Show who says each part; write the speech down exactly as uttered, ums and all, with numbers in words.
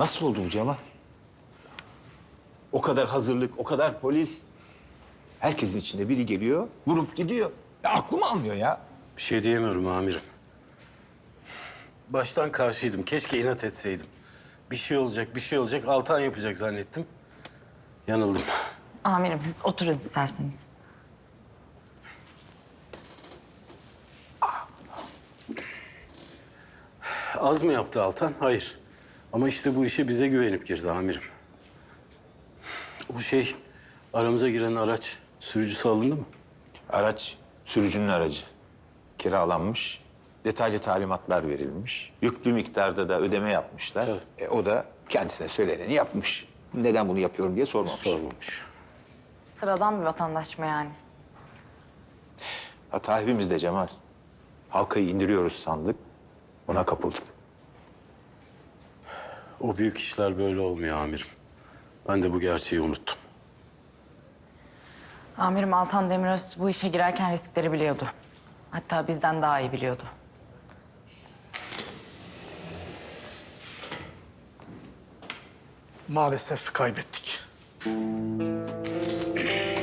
Speaker 1: Nasıl oldu bu Cemal? O kadar hazırlık, o kadar polis. Herkesin içinde biri geliyor, vurup gidiyor. Ya aklım almıyor ya.
Speaker 2: Bir şey diyemiyorum amirim. Baştan karşıydım. Keşke inat etseydim. Bir şey olacak, bir şey olacak. Altan yapacak zannettim. Yanıldım.
Speaker 3: Amirim siz oturun isterseniz.
Speaker 2: Az mı yaptı Altan? Hayır. Ama işte bu işe bize güvenip girdi amirim. O şey, aramıza giren araç sürücüsü alındı mı?
Speaker 1: Araç sürücünün aracı. Kiralanmış. Detaylı talimatlar verilmiş. Yüklü miktarda da ödeme yapmışlar.
Speaker 2: Tabii.
Speaker 1: E, o da kendisine söyleneni yapmış. Neden bunu yapıyorum diye sormamış.
Speaker 2: Sormamış.
Speaker 3: Sıradan bir vatandaş mı yani?
Speaker 1: Hata hepimizde Cemal. Halkayı indiriyoruz sandık. Ona kapıldık.
Speaker 2: O büyük işler böyle olmuyor amirim. Ben de bu gerçeği unuttum.
Speaker 3: Amirim Altan Demiröz bu işe girerken riskleri biliyordu. Hatta bizden daha iyi biliyordu.
Speaker 4: Maalesef kaybettik.